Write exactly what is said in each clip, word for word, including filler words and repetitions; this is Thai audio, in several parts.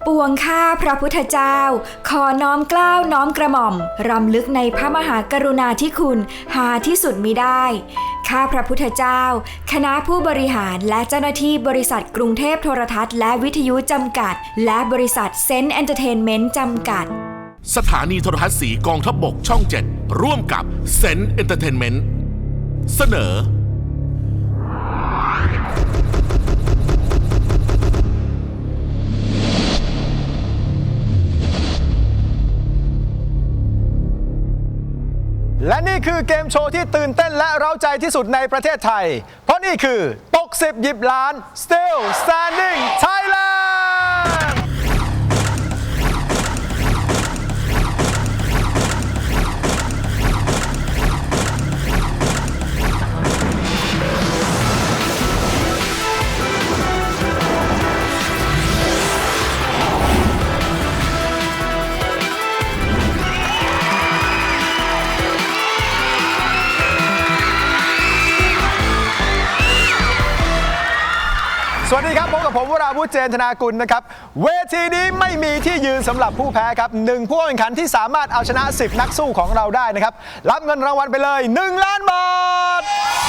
วงข้าพระพุทธเจ้าขอน้อมเกล้าน้อมกระหม่อมรำลึกในพระมหากรุณาธิคุณหาที่สุดมิได้ข้าพระพุทธเจ้าคณะผู้บริหารและเจ้าหน้าที่บริษัทกรุงเทพโทรทัศน์และวิทยุจำกัดและบริษัทเซนต์เอนเตอร์เทนเมนต์จำกัดสถานีโทรทัศน์สีกองทัพบกช่องเจ็ดร่วมกับเซนต์เอนเตอร์เทนเมนต์เสนอและนี่คือเกมโชว์ที่ตื่นเต้นและเร้าใจที่สุดในประเทศไทยเพราะนี่คือตกสิบหยิบล้าน Still Standing Thailandสวัสดีครับพบกับผมวราวุฒิ เจนธนากุลนะครับเวทีนี้ไม่มีที่ยืนสำหรับผู้แพ้ครับหนึ่งผู้แข่งขันที่สามารถเอาชนะสิบนักสู้ของเราได้นะครับรับเงินรางวัลไปเลยหนึ่งล้านบาท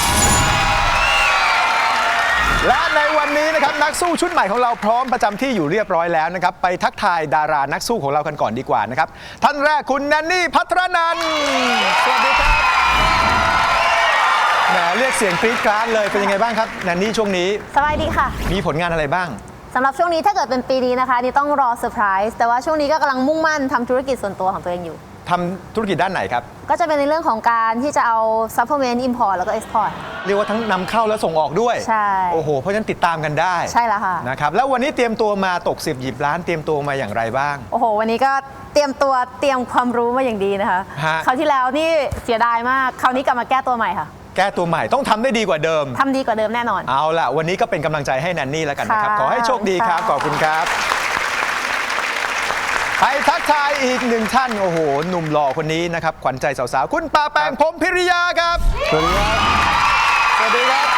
และในวันนี้นะครับนักสู้ชุดใหม่ของเราพร้อมประจำที่อยู่เรียบร้อยแล้วนะครับไปทักทายดารานักสู้ของเรากันก่อนดีกว่านะครับท่านแรกคุณแนนนี่ภัทรนันท์สวัสดีครับแหมเรียกเสียงกรี๊ดกราดเลยเป็นยังไงบ้างครับแนนนี่ช่วงนี้สบายดีค่ะมีผลงานอะไรบ้างสำหรับช่วงนี้ถ้าเกิดเป็นปีนี้นะคะนี่ต้องรอเซอร์ไพรส์แต่ว่าช่วงนี้ก็กำลังมุ่งมั่นทำธุรกิจส่วนตัวของตัวเองอยู่ทำธุรกิจด้านไหนครับก็จะเป็นในเรื่องของการที่จะเอาซัพพลีเมนต์อิมพอร์ตแล้วก็เอ็กซ์พอร์ตเรียกว่าทั้งนำเข้าและส่งออกด้วยใช่โอ้โหเพราะฉะนั้นติดตามกันได้ใช่แล้วค่ะนะครับแล้ววันนี้เตรียมตัวมาตกสิบหยิบล้านเตรียมตัวมาอย่างไรบ้างโอ้โหวันนี้ก็เตรียมตัวเตรียมความรู้มาอย่างดีนะคะคราวที่แล้วนี่เสียดายมากคราวนี้กลับมาแก้ตัวใหม่ค่ะแก้ตัวใหม่ต้องทำได้ดีกว่าเดิมทำดีกว่าเดิมแน่นอนเอาล่ะวันนี้ก็เป็นกำลังใจให้แนนนี่แล้วกันนะครับขอให้โชคดีครับขอบคุณครับไปทักทายอีกหนึ่งท่านโอ้โหหนุ่มหล่อคนนี้นะครับขวัญใจสาวๆคุณปาแปงพรหมพิริยาครับสวัสดีครับสวัสดีครับ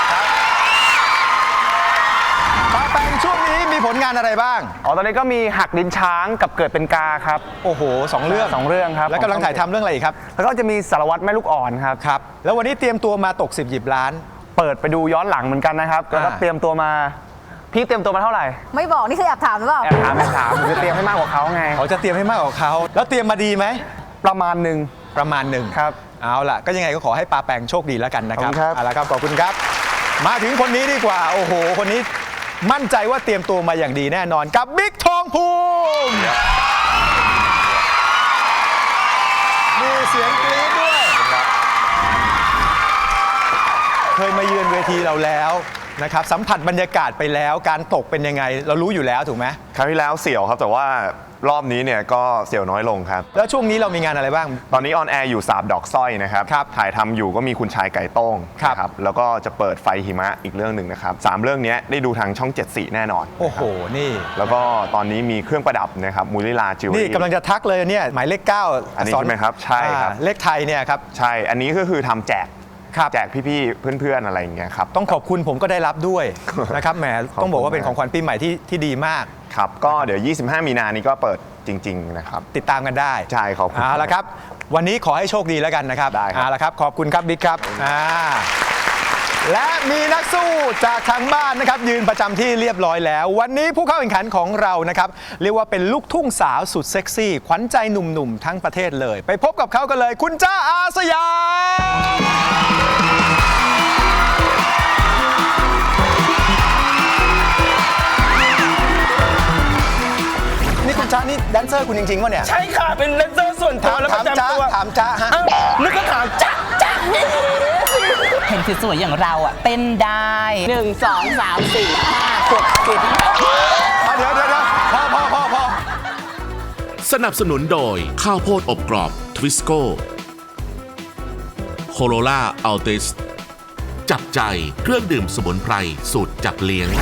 ปาแปงช่วงนี้มีผลงานอะไรบ้างอ๋อตอนนี้ก็มีหักลิ้นช้างกับเกิดเป็นกาครับโอ้โหสองเรื่องสองเรื่องครับแล้วกำลังถ่ายทำเรื่องอะไรอีกครับแล้วก็จะมีสารวัตรแม่ลูกอ่อนครับครับแล้ววันนี้เตรียมตัวมาตกสิบหยิบล้านเปิดไปดูย้อนหลังเหมือนกันนะครับแล้วก็เตรียมตัวมาพี่เตรียมตัวมาเท่าไหร่ไม่บอกนี่คือแอบถามหรือเปล่าแอบถามแอบถามผมจะเตรียมให้มากกว่าเขาไงเขาจะเตรียมให้มากกว่าเขาแล้วเตรียมมาดีไหมประมาณหนึ่งประมาณหนึ่งครับเอาล่ะก็ยังไงก็ขอให้ปาแปงโชคดีแล้วกันนะครับครับเอาล่ะครับขอบคุณครับมาถึงคนนี้ดีกว่าโอ้โหคนนี้มั่นใจว่าเตรียมตัวมาอย่างดีแน่นอนกับบิ๊กทองภูมิมีเสียงกรี๊ดด้วยเคยมาเยือนเวทีเราแล้วนะครับสัมผัสบรรยากาศไปแล้วการตกเป็นยังไงเรารู้อยู่แล้วถูกไหมครั้งที่แล้วเสี่ยวครับแต่ว่ารอบนี้เนี่ยก็เสี่ยวน้อยลงครับแล้วช่วงนี้เรามีงานอะไรบ้างตอนนี้ออนแอร์อยู่สาบดอกสร้อยนะครับถ่ายทำอยู่ก็มีคุณชายไก่โต้งครับแล้วก็จะเปิดไฟหิมะอีกเรื่องหนึ่งนะครับสามเรื่องนี้ได้ดูทางช่องเจ็ดสีแน่นอนโอ้โหนี่แล้วก็ตอนนี้มีเครื่องประดับนะครับมูลิลาจิวนี่กำลังจะทักเลยเนี่ยหมายเลขเก้าอันนี้ใช่ไหมครับใช่ครับเลขไทยเนี่ยครับใช่อันนี้ก็คือทำแจกแจกพี่ๆเพื่อนๆอะไรอย่างเงี้ยครับต้องขอบคุณผมก็ได้รับด้วยนะครับแหมต้องบอกว่าเป็นของขวัญปีใหม่ที่ที่ดีมากครับก็เดี๋ยวยี่สิบห้ามีนานี้ก็เปิดจริงๆนะครับติดตามกันได้ใช่ขอบคุณเอาละครับวันนี้ขอให้โชคดีแล้วกันนะครับได้ครับเอาละครับขอบคุณครับบิ๊กครับอ่าและมีนักสู้จากทางบ้านนะครับยืนประจำที่เรียบร้อยแล้ววันนี้ผู้เข้าแข่งขันของเรานะครับเรียกว่าเป็นลูกทุ่งสาวสุดเซ็กซี่ขวัญใจหนุ่มๆทั้งประเทศเลยไปพบกับเขากันเลยคุณจ้าอาสยามนี่คุณจ้านี่แดนเซอร์คุณจริงๆวะเนี่ยใช่ค่ะเป็นแดนเซอร์ส่วนตัวแล้วประจำตัวถามจ้าฮะนึกก็ถามจ้าจ้าเห็นสวยๆอย่างเราอ่ะเต้นได้หนึ่งสองสามสี่ห้าหกเจ็ดเดี๋ยวเดี๋ยวพอพอพอพอสนับสนุนโดยข้าวโพดอบกรอบทวิสโก้โคโรล่าอัลติสจับใจเครื่องดื่มสมุนไพรสูตรจับเลี้ยง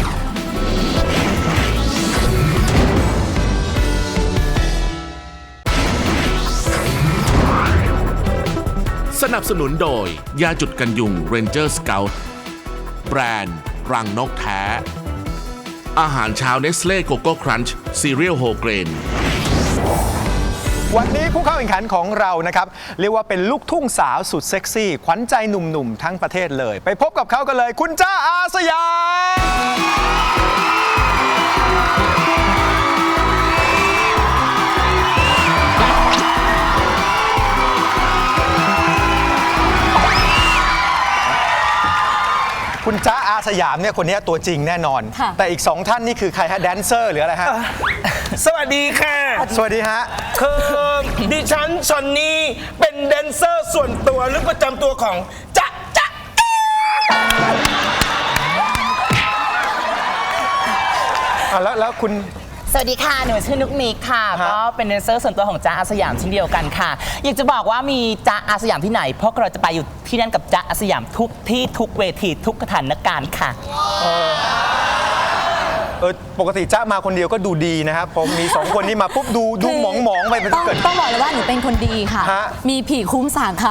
สนับสนุนโดยยาจุดกันยุง Ranger Scout แบรนด์รังนกแท้อาหารเช้าเนสเล่โกโก้ครันช์ซีเรียลโฮเกรนวันนี้ผู้เข้าแข่งขันของเรานะครับเรียกว่าเป็นลูกทุ่งสาวสุดเซ็กซี่ขวัญใจหนุ่มๆทั้งประเทศเลย ไปพบกับเขากันเลย คุณจ้าอาสยามคุณจ้าอาสยามเนี่ยคนนี้ตัวจริงแน่นอน แต่อีกสองท่านนี่คือใครฮะแดนเซอร์หรืออะไรฮะสวัสดีค่ะสวัสดีฮะคือดิฉันชอนนี่เป็นแดนเซอร์ส่วนตัวหรือประจำตัวของจ๊ะจ๊ะอ่ะแล้วแล้วคุณสวัสดีค่ะ หนูชื่อนุกนิกค่ะฮะก็เป็นแดนเซอร์ส่วนตัวของจ๊ะอาสยามเช่นเดียวกันค่ะ อยากจะบอกว่ามีจ๊ะอาสยามที่ไหนเพราะเราจะไปอยู่ที่นั่นกับจ๊ะอาสยามทุกที่ทุกเวทีทุกสถานการณ์ค่ะเออปกติจ้ามาคนเดียวก็ดูดีนะครับผมมีสองคนนี้มาปุ๊บดูดูหมองหมองๆไปมันต้องเกิดต้องบอกเลยว่าหนูเป็นคนดีค่ะฮะมีผีคุ้มสางค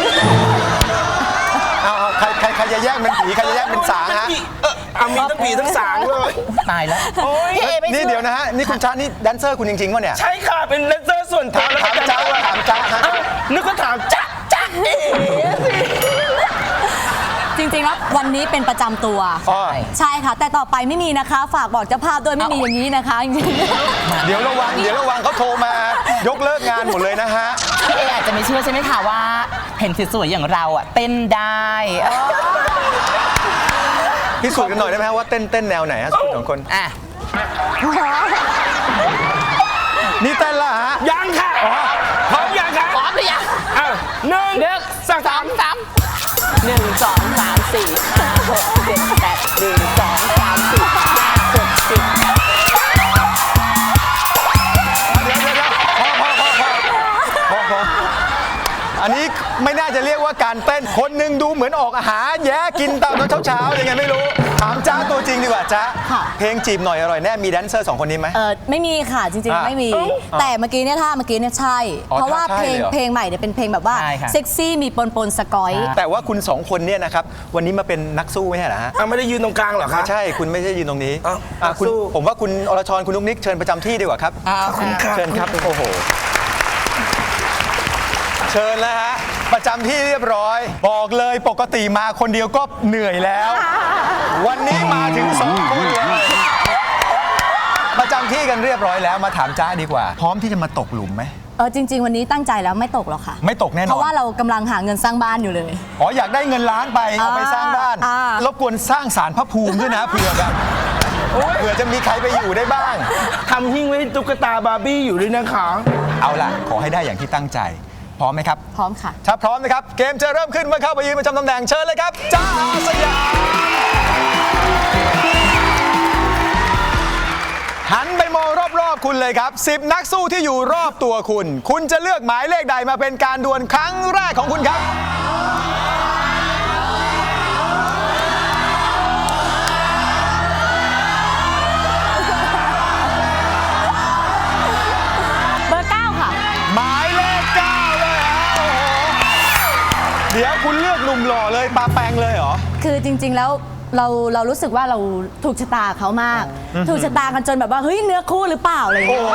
เอาเอาใครใครใครจะแยกเป็นผีใครจะแยกเป็นสางฮะเออเอามีทั้งผีทั้งสางเลยตายแล้วโอ้ยพี่เอไม่นี่เชื่อเดี๋ยวนะฮะนี่คุณจ้านี่แดนเซอร์คุณจริงๆวะเนี่ยใช่ค่ะ เป็นแดนเซอร์ส่วนตัวและประจำตัวถามจ๊ะถามจ๊ะฮะเอ้านึกว่าถามจ๊ะจ๊ะเอ๋สิำจริงๆแล้ววันนี้เป็นประจำตัวอ๋อใช่ค่ะ แต่ต่อไปไม่มีนะคะ ฝากบอกเจ้าภาพด้วยไม่มีอย่างนี้นะคะจริงเดี๋ยวระวังเดี๋ยวระวังเขาโทรมายกเลิกงานหมดเลยนะฮะพี่เออาจจะไม่เชื่อใช่ไหมคะว่าเห็นสวยๆอย่างเราอ่ะเต้นได้พิสูจน์กันหน่อยได้ไหมฮะว่าเต้นเต้นแนวไหนฮะสองคนอ่ะนี่เต้นละฮะยังค่ะพร้อมยังคะพร้อมหรือยังอ้าวหนึ่งหนึ่งสองสามสามหนึ่งสองสามสี่ห้าหกเจ็ดแปดหนึ่งสองสามสี่ห้าหกสิบพอพออันนี้ไม่น่าจะเรียกว่าการเต้นคนหนึ่งดูเหมือนออกอาหารแย่กินตามตอนเช้าๆยังไงไม่รู้ถามจ้าตัวจริงดีกว่าจ้าเพลงจีบหน่อยอร่อยแน่มีแดนเซอร์สองคนนี้ไหมๆเออไม่มีค่ะจริงอ่ะๆไม่มี แต่เมื่อกี้เนี่ยท่าเมื่อกี้เนี่ยใช่อ๋อเพราะว่าท่าใช่เพลงเลยเหรอเพลงใหม่เนี่ยเป็นเพลงแบบว่าใช่ค่ะเซ็กซี่มีปนปนๆสกอยแต่ว่าคุณสองคนเนี่ยนะครับวันนี้มาเป็นนักสู้ไม่ใช่เหรอฮะอ่ะไม่ได้ยืนตรงกลางเหรอคะไม่ใช่คุณไม่ใช่ยืนตรงนี้อ้าวอ่ะคุณสู้ผมว่าคุณอรชรคุณนุ๊กนิกเชิญประจำที่ดีกว่าครับขอบคุณค่ะเชิญครับโอ้โหเชิญแล้วฮะประจำที่เรียบร้อย บอกเลยปกติมาคนเดียวก็เหนื่อยแล้ว วันนี้มาถึงสองคนเลยประจำที่กันเรียบร้อยแล้วมาถามจ้าดีกว่า พร้อมที่จะมาตกหลุมไหมเออจริง ๆ วันนี้ตั้งใจแล้วไม่ตกหรอกค่ะไม่ตกแน่นอนเพราะว่าเรากำลังหาเงินสร้างบ้านอยู่เลยอ๋ออยากได้เงินล้านไปเอาไปสร้างบ้านอ่ารบกวนสร้างศาลพระภูมิด้วยนะเผื่อแบบเผื่อจะมีใครไปอยู่ได้บ้างทำหิ้งไว้ให้ตุ๊กตาบาร์บี้อยู่ด้วยนะคะเอาล่ะขอให้ได้อย่างที่ตั้งใจ พร้อมไหมครับพร้อมค่ะถ้าพร้อมนะครับ เกมจะเริ่มขึ้นเมื่อเข้าไปยืนประจำตำแหน่งเชิญเลยครับจ้าอาสยามหันไปมองรอบๆคุณเลยครับสิบนักสู้ที่อยู่รอบตัวคุณ คุณจะเลือกหมายเลขใดมาเป็นการดวลครั้งแรกของคุณครับเบอร์เก้าค่ะหมายเลขเก้าเลยฮะโอ้โหเดี๋ยวคุณเลือกหนุ่มหล่อเลยปาแปงเลยเหรอคือจริง ๆ แล้วเราเรารู้สึกว่าเราถูกชะตาเขามาก ถูกชะตากันจนแบบว่าเฮ้ยเนื้อคู่หรือเปล่าอะไรอย่างเงี้ย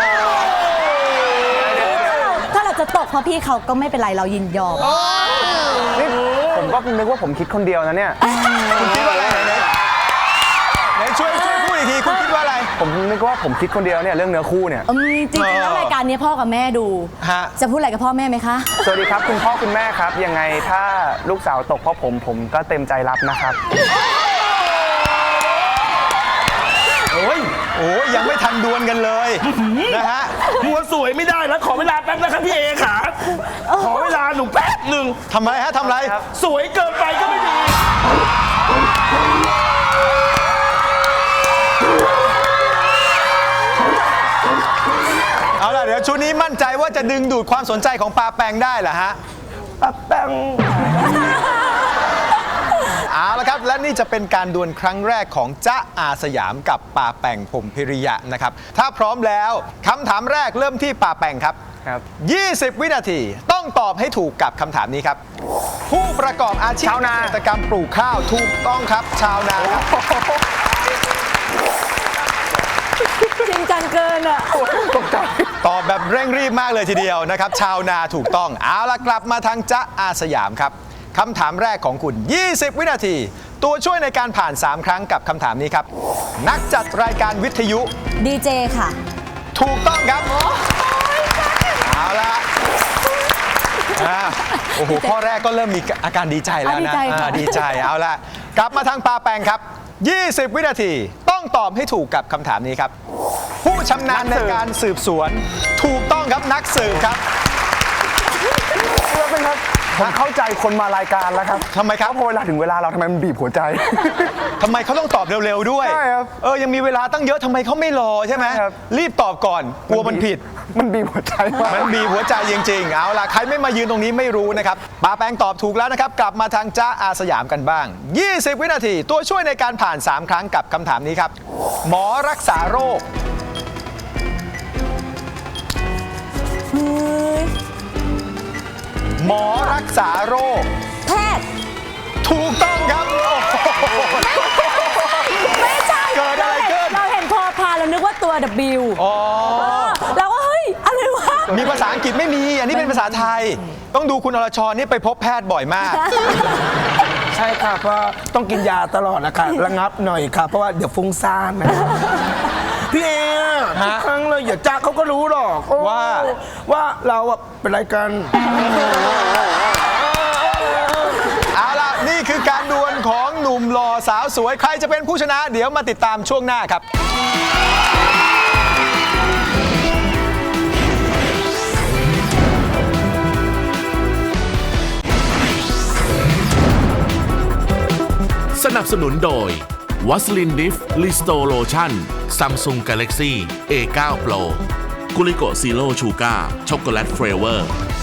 ถ้าเราถ้าเราจะตกเพราะพี่เขาก็ไม่เป็นไรเรายินยอมนี่ผมก็นึกว่าผมคิดคนเดียวนะเนี่ยคุณคิดว่าอะไรไหนไหนช่วยช่วยพูดอีกทีคุณคิดว่าอะไรผมนึกว่าผมคิดคนเดียวเนี่ยเรื่องเนื้อคู่เนี่ยอืมจริงๆแล้วรายการนี้พ่อกับแม่ดูฮะจะพูดอะไรกับพ่อแม่ไหมคะสวัสดีครับคุณพ่อคุณแม่ครับ ยังไงถ้าลูกสาวตกเพราะผมผมก็เต็มใจรับนะครับโอ้ยโอ้ยยังไม่ทันดวลกันเลยนะฮะหัวสวยไม่ได้แล้วขอเวลาแป๊บนะครับพี่เอขาขอเวลาหนูแป๊บหนึ่งทำไรฮะทำไรสวยเกินไปก็ไม่ดีเอาล่ะเดี๋ยวชุดนี้มั่นใจว่าจะดึงดูดความสนใจของปาแปงได้เหรอฮะปับแป้งเอาละครับและนี่จะเป็นการดวลครั้งแรกของจ๊ะอาสยามกับปาแปงพรหมพิริยะนะครับถ้าพร้อมแล้วคำถามแรกเริ่มที่ปาแปงครับครับยี่สิบ วินาทีต้องตอบให้ถูกกับคำถามนี้ครับ ผู้ประกอบอาชีพชาวนาเกษตรกรรมปลูกข้าวถูกต้องครับ ชาวนาครับริงจังเกินอ่ะตอบแบบเร่งรีบมากเลยทีเดียวนะครับ ชาวนาถูกต้อง เอาละกลับมาทางจ๊ะอาสยามครับคำถามแรกของคุณ ยี่สิบ วินาที ตัวช่วยในการผ่าน สาม ครั้งกับคำถามนี้ครับ นักจัดรายการวิทยุดีเจค่ะถูกต้องครับ เอาละอ่าโอ้โห ข้อแรกก็เริ่มมีอาการดีใจแล้วนะอ่ะดีใจค่ะอ่าดีใจ เอาละกลับมาทางปาแปงครับ ยี่สิบ วินาที ต้องตอบให้ถูกกับคำถามนี้ครับ ผู้ชำนาญในการสืบสวน ถูกต้องครับนักสืบครับแล้วเป็นครับผมเข้าใจคนมารายการแล้วครับทำไมครับเพราะเวลาถึงเวลาเราทำไมมันบีบหัวใจทำไมเขาต้องตอบเร็วๆด้วยใช่ครับเออ ยังมีเวลาตั้งเยอะทำไมเขาไม่รอใช่ไหมใช่ครับรีบตอบก่อน กลัวมันผิดมันบีบหัวใจมากมันบีบหัวใจจริงๆ เอาล่ะ ใครไม่มายืนตรงนี้ไม่รู้นะครับปาแปงตอบถูกแล้วนะครับ กลับมาทางจ๊ะอาสยามกันบ้าง ยี่สิบ วินาที ตัวช่วยในการผ่าน สาม ครั้งกับคำถามนี้ครับ หมอรักษาโรค หมอรักษาโรคแพทย์ถูกต้องครับโอ้โหไม่ใช่เกิดอะไรขึ้นเราเห็นพอพานเรานึกว่าตัว W อ๋อเออเราก็เฮ้ย อะไรวะมีภาษาอังกฤษไม่มี อันนี้เป็นภาษาไทย ต้องดูคุณอรชรนี่ไปพบแพทย์บ่อยมากใช่ค่ะเพราะต้องกินยาตลอดนะคะระงับหน่อยค่ะ เพราะว่าเดี๋ยวฟุ้งซ่านนะพี่เอทุกครั้งเลยอย่าจ้าเขาก็รู้หรอกโอ้ว่าว่าเราอะเป็นอะไรกันเอาล่ะ นี่คือการดวลของหนุ่มหล่อสาวสวย ใครจะเป็นผู้ชนะ เดี๋ยวมาติดตามช่วงหน้าครับสนับสนุนโดยวัสลินดิฟลิสโตโลชั่นซัมซุงกาแล็กซี่ เอ ไนน์ Pro กุลิโกซีโร่ชูการ์ช็อกโกแลตเฟรเวอร์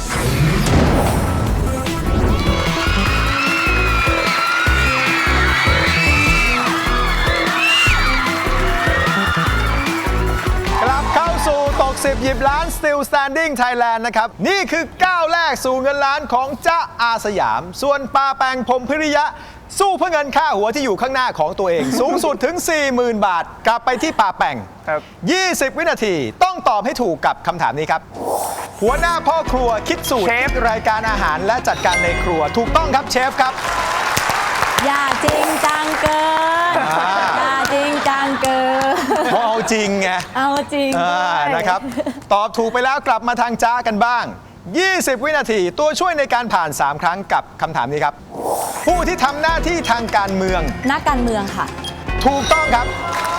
กลับเข้าสู่ตกสิบหยิบล้าน Still Standing Thailand นะครับ นี่คือก้าวแรกสู่เงินล้านของจ๊ะอาสยาม ส่วนปาแปงพรหมพิริยะ สู้เพื่อเงินค่าหัวที่อยู่ข้างหน้าของตัวเอง สูงสุดถึง สี่หมื่น บาท กลับไปที่ปาแปงครับยี่สิบ วินาทีต้องตอบให้ถูกกับคำถามนี้ครับ หัวหน้าพ่อครัวคิดสูตรเชฟรายการอาหารและจัดการในครัว ถูกต้องครับเชฟครับอย่าจริงจังเกินอ่าอย่าจริงจังเกินเพราะเอาจริงไงเอาจริงอ่าด้วยนะครับ ตอบถูกไปแล้วกลับมาทางจ้ากันบ้าง ยี่สิบ วินาทีตัวช่วยในการผ่าน สาม ครั้งกับคำถามนี้ครับ ผู้ที่ทำหน้าที่ทางการเมืองนักการเมืองค่ะถูกต้องครับ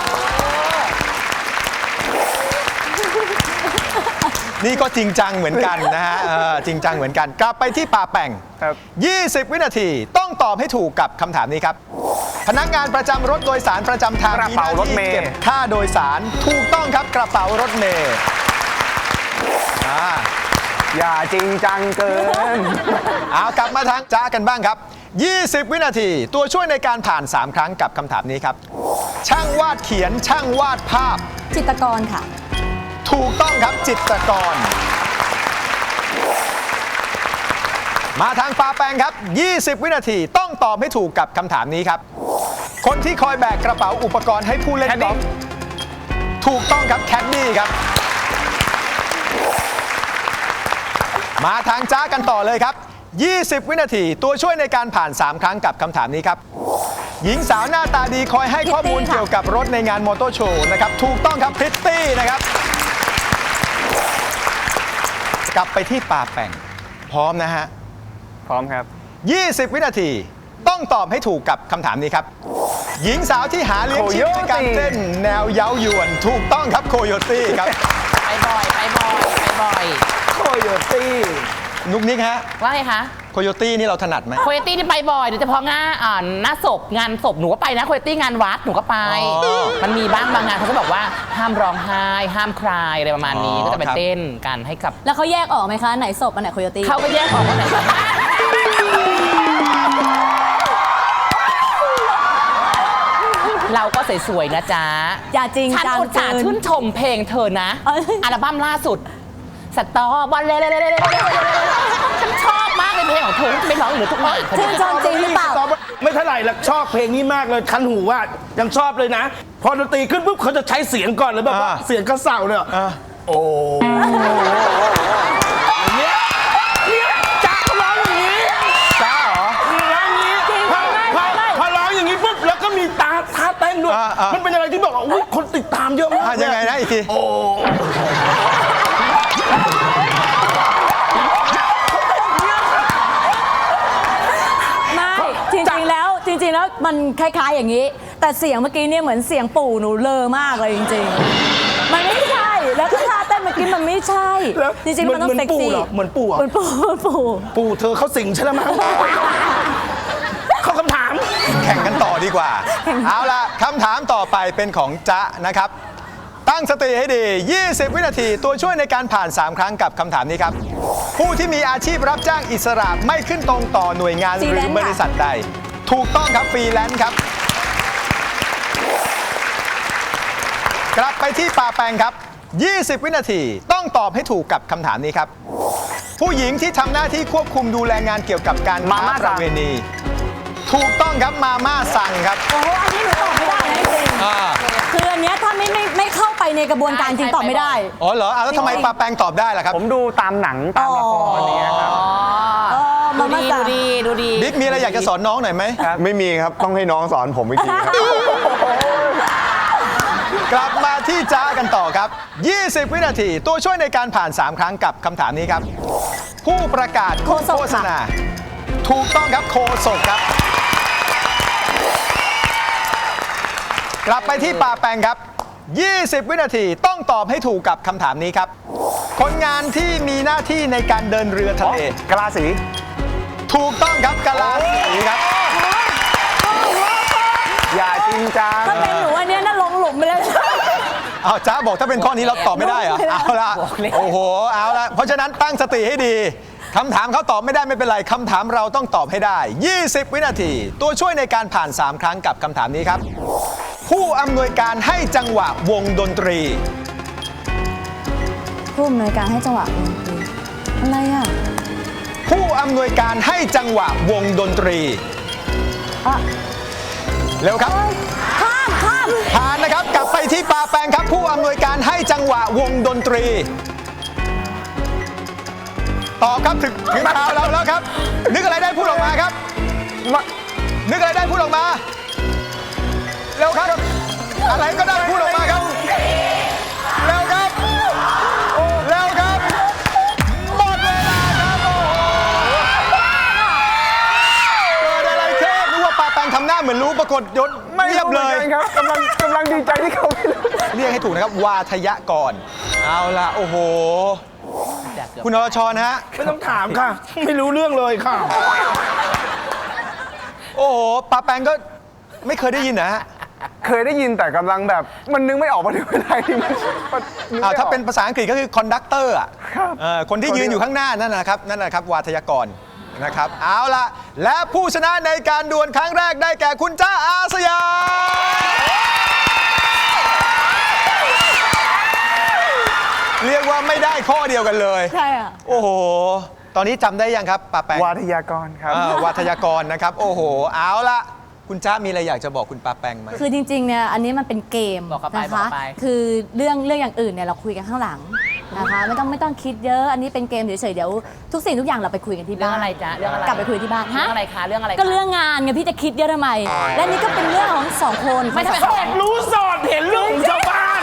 นี่ก็จริงจังเหมือนกันนะฮะเออจริงจังเหมือนกัน กลับไปที่ป่าแป่งครับยี่สิบ วินาทีต้องตอบให้ถูกกับคำถามนี้ครับ พนักงานประจำรถโดยสารประจำทางกระเป๋ารถเมล์เก็บค่าโดยสารถูกต้องครับกระเป๋ารถเมล์อ่าอย่าจริงจังเกินเอากลับมาทางจ้ากันบ้างครับ ยี่สิบ วินาทีตัวช่วยในการผ่าน สาม ครั้งกับคำถามนี้ครับ ช่างวาดเขียนช่างวาดภาพจิตรกรค่ะถูกต้องครับจิตรกร มาทางปาแปงครับ ยี่สิบ วินาทีต้องตอบให้ถูกกับคำถามนี้ครับ คนที่คอยแบกกระเป๋าอุปกรณ์ให้ผู้เล่นกอล์ฟถูกต้องครับแคดดี้ครับ มาทางจ้ากันต่อเลยครับ ยี่สิบ วินาทีตัวช่วยในการผ่าน สาม ครั้งกับคำถามนี้ครับ หญิงสาวหน้าตาดีคอยให้ข้อมูลพริตตี้ค่ะเกี่ยวกับรถในงานมอเตอร์โชว์นะครับ ถูกต้องครับพริตตี้นะครับ กลับไปที่ป่าแป่ง พร้อมนะฮะพร้อมครับยี่สิบ วินาทีต้องตอบให้ถูกกับคำถามนี้ครับ หญิงสาวที่หาเลี้ยงชีพในการเต้นแนวเย้ายวน ถูกต้องครับโคโยตี้ครับไปบ่อย ไปบ่อย ไปบ่อยโคโยตี้นุกนิกฮะว่าไงคะโคโยตี้นี่เราถนัดไหมโคโยตี้ที่ไปบ่อยโดยเฉพาะงานอ่าหน้าศพงานศพหนูก็ไปนะโคโยตี้งานวัดหนูก็ไปอ๋อมันมีบ้างบางงานเขาก็บอกว่าห้ามร้องไห้ห้ามคลายอะไรประมาณนี้อ๋อก็จะไปครับเต้นกันให้กับแล้วเขาแยกออกไหมคะ ไหนศพอันไหนโคโยตี้เขาก็แยกออกว่าไหนเราก็สวยๆนะจ๊ะอย่าจริงฉันจังอุตส่าห์เกินชื่นชมเพลงเธอนะเอ้ยอัลบั้มล่าสุดสตอวันเลยฉันชอบมากเลยเพลงของเธอไม่ร้องหรือทุกวันชื่นชมจริงหรือเปล่าไม่เท่าไหร่หรอกชอบเพลงนี้มากเลยคันหูว่ายังชอบเลยนะพอดนตรีขึ้นปุ๊บเขาจะใช้เสียงก่อนเลยแบบว่าอ่าเสียงกระเสาเนี่ยอ่ะโอ้อย่างเงี้ยเนี่ยจ๊ะเขาร้องอย่างนี้จ้าเหรอร้องอย่างนี้พอพอพอร้องอย่างนี้ปุ๊บแล้วก็มีตาท่าเต้นด้วยอ่าอ่ามัมันเป็นอะไรที่บอกว่าอุ๊ยคนติดตามเยอะมากอ่ะยังไงนะอีกทีโอ้ไม่จริงๆแล้วจริงๆแล้วมันคล้ายๆอย่างนี้ แต่เสียงเมื่อกี้เนี่ยเหมือนเสียงปู่หนูเลอมากเลยจริงๆ มันไม่ใช่แล้วก็ท่าเต้นเมื่อกี้มันไม่ใช่แล้วจริงๆมันต้องเซ็กซี่เหมือนปู่เหรอเหมือนปู่เหมือนปู่ปู่เธอเขาสิงใช่ไหมมั้งเข้าคำถามแข่งกันต่อดีกว่า เอาล่ะคำถามต่อไปเป็นของจ๊ะนะครับ ตั้งสติให้ดี ยี่สิบ วินาที ตัวช่วยในการผ่าน สาม ครั้งกับคำถามนี้ครับ ผู้ที่มีอาชีพรับจ้างอิสระไม่ขึ้นตรงต่อหน่วยงานหรือบริษัทใด ถูกต้องครับฟรีแลนซ์ครับ กลับไปที่ป่าแปงครับ ยี่สิบ วินาที ต้องตอบให้ถูกกับคำถามนี้ครับ ผู้หญิงที่ทำหน้าที่ควบคุมดูแลงานเกี่ยวกับการค้าประเวณี ถูกต้องครับมาม่าสั่งครับโอ้โหอันนี้หนูตอบไม่ได้นะจริงอ่าๆคืออันเนี้ยถ้าไม่ไม่ไม่เข้าไปในกระบวนการจริงตอบไม่ได้อ๋อเหรออ่ะแล้วทำไมปลาแปงตอบได้ล่ะครับผมดูตามหนังตามละครอะไรเงี้ยครับเออดูมาดีมาดูสั่งดีดูดีบิ๊กมีอะไรอยากจะสอนน้องหน่อยไหมไม่มีครับ ต้องให้น้องสอนผมอีกทีครับกลับมาที่จ้ากันต่อครับ ยี่สิบ วินาที ตัวช่วยในการผ่าน สาม ครั้งกับคำถามนี้ครับ ผู้ประกาศโฆษกโฆษณา ถูกต้องครับโคศกครับ กลับไปที่ป่าแปงครับ ยี่สิบ วินาทีต้องตอบให้ถูกกับคำถามนี้ครับ คนงานที่มีหน้าที่ในการเดินเรือทะเลกะลาสีถูกต้องครับกะลาสีครับอย่าจริงจังถ้าเป็นหนูอันเนี้ยน่าลงหลุมไปเลยเอาจ้าบอกถ้าเป็นข้อนี้เราตอบไม่ได้เหรอไม่ได้เอาละโอ้โหเอาละเพราะฉะนั้นตั้งสติให้ดีคำถามเขาตอบไม่ได้ไม่เป็นไรคำถามเราต้องตอบให้ได้ ยี่สิบ วินาที ตัวช่วยในการผ่าน สาม ครั้งกับคำถามนี้ครับ ผู้อำนวยการให้จังหวะวงดนตรีผู้อำนวยการให้จังหวะดนตรีอะไรอ่ะผู้อำนวยการให้จังหวะวงดนตรีอ่ะเร็วครับข้ามข้ามผ่านนะครับกลับไปที่ปาแปงครับ ผู้อำนวยการให้จังหวะวงดนตรีตอบครับถึงถึงคราวเราแล้วครับ นึกอะไรได้พูดออกมาครับ นึกอะไรได้พูดออกมาเร็วครับ อะไรก็ได้พูดออกมาครับเร็วครับเร็วครับหมดเวลาครับโอ้โหเกิดอะไรขึ้นนึกว่าปาแปงทำหน้าเหมือนรู้ปรากฏยศไม่เรียบเลยครับกำลังกำลังดีใจที่เขาไม่รู้เรียกให้ถูกนะครับ วาทยกรเอาละโอ้โห คุณอรชรนะฮะไม่ต้องถามค่ะ ไม่รู้เรื่องเลยค่ะโอ้โหปาแปงก็ไม่เคยได้ยินนะฮะเคยได้ยินแต่กำลังแบบมันนึกไม่ออกว่าเป็นอะไรที่มันมันนึกอ่าไม่ออกถ้าเป็นภาษาอังกฤษก็คือคอนดักเตอร์อ่ะครับเอ่อคนที่ยืนอยู่ข้างหน้านั่นนะครับนั่นนะครับวาทยกรนะครับ เอาละและผู้ชนะในการดวลครั้งแรกได้แก่คุณจ้าอาสยามเรียกว่าไม่ได้ข้อเดียวกันเลยใช่อ่ะโอ้โห ตอนนี้จำได้ยังครับปาแปงวาทยากรครับอ่าวาทยากรนะครับ โอ้โห เอาละคุณจ้ามีอะไรอยากจะบอกคุณปาแปงไหมคือจริงๆ เนี่ย อันนี้มันเป็นเกมบอกเข้าไปนะบอคะกไปคือเรื่องเรื่องอย่างอื่นเนี่ยเราคุยกันข้างหลังนะคะ ไม่ต้องไม่ต้องคิดเยอะ อันนี้เป็นเกมเฉยๆ เดี๋ยวทุกสิ่งทุกอย่างเราไปคุยกันที่เรื่อบ้าง นอะไรจ๊ะเรื่องอะไรกลับไปคุยที่บ้านเรื่องอะไรคะเรื่องอะไรคะก็เรื่องงานไงพี่จะคิดเยอะทำไม และนี่ก็เป็นเรื่องของสองคนไม่ทำไมสอดรู้สอดเห็นเรื่องของชาวบ้าน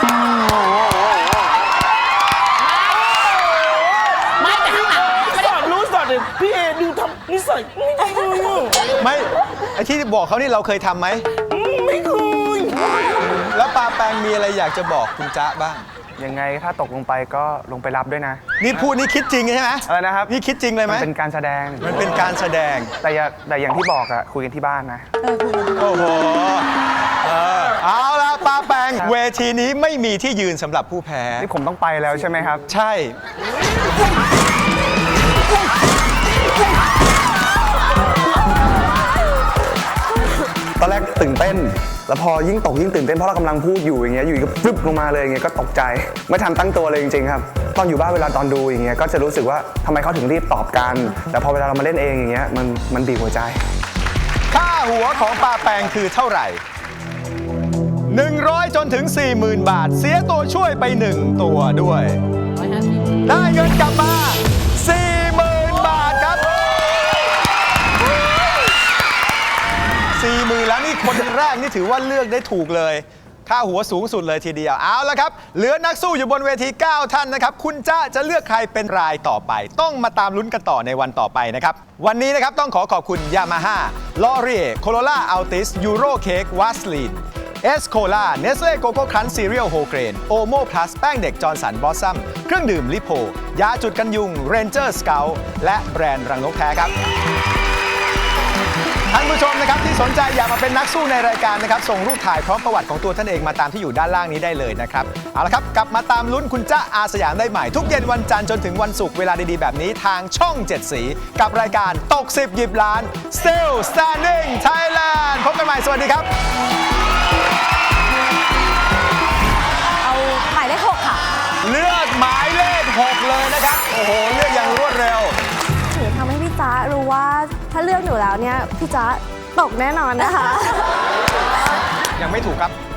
ไม่แต่ข้างหลังไม่สได้อดรู้สอดเห็นพี่เอดูทำนิสัยไม่ดีเลยไม่ไอที่บอกเขานี่เราเคยทำไหมไม่เคยแล้วปาแปงมีอะไรอยากจะบอกคุณจ๊ะบ้างยังไงถ้าตกลงไปก็ลงไปรับด้วยนะนี่พูดนี่คิดจริงใช่ไหมอะไรนะครับนี่คิดจริงเลยไหมมันเป็นการแสดงมันเป็นการแสดงแต่อย่าแต่อย่างที่บอกอะคุยกันที่บ้านนะโอ้โหเออเอาละปาแปงเวทีนี้ไม่มีที่ยืนสำหรับผู้แพ้นี่ผมต้องไปแล้วใช่ไหมครับใช่ตอนแรกตื่นเต้น แล้วพอยิ่งตกยิ่งตื่นเต้นเพราะเรากำลังพูดอยู่อย่างเงี้ยอยู่ก็ฟึบลงมาเลยอย่างเงี้ยก็ตกใจไม่ทันตั้งตัวเลยจริงๆครับตอนอยู่บ้านเวลาตอนดูอย่างเงี้ยก็จะรู้สึกว่าทำไมเขาถึงรีบตอบกันแต่พอเวลาเรามาเล่นเองอย่างเงี้ยมันมันบีบหัวใจค่าหัวของปาแปงคือเท่าไหร่หนึ่งร้อยจนถึง สี่หมื่น บาท เสียตัวช่วยไปหนึ่งตัวด้วย ได้เงินกลับมา สี่หมื่น บาทครับ สี่หมื่น แล้วนี่คนแรกนี่ถือว่าเลือกได้ถูกเลย ค่าหัวสูงสุดเลยทีเดียว เอาละครับ เหลือนักสู้อยู่บนเวที เก้า ท่านนะครับ คุณจ้าจะเลือกใครเป็นรายต่อไป ต้องมาตามลุ้นกันต่อในวันต่อไปนะครับ วันนี้นะครับต้องขอขอบคุณ Yamaha Laurier Corolla Altis Euro Cake Vaseline เอส โคลา Nestle Coco Crunch Cereal Whole Grain Omo Plus แป้งเด็กจอร์นสันบอสซัมเครื่องดื่มลิโพยาจุดกันยุง Ranger Scout และแบรนด์รังนกแท้ครับ ท่านผู้ชมนะครับที่สนใจอยากมาเป็นนักสู้ในรายการนะครับส่งรูปถ่ายพร้อมประวัติของตัวท่านเองมาตามที่อยู่ด้านล่างนี้ได้เลยนะครับเอาละครับกลับมาตามลุ้นคุณจ๊ะอาสยามได้ใหม่ทุกเย็นวันจันทร์จนถึงวันศุกร์เวลาดีๆแบบนี้ทางช่องเจ็ดสีกับรายการตกสิบหยิบล้าน Still Standing Thailand พบกันใหม่สวัสดีครับเอาหมายเลขหกค่ะเลือกหมายเลขหกเลยนะครับโอ้โหเลือกอย่างรวดเร็วหนูทำให้พี่จ๊ะรู้ว่าถ้าเลือกหนูแล้วเนี่ย พี่จ๊ะตกแน่นอนนะคะยังไม่ถูกครับ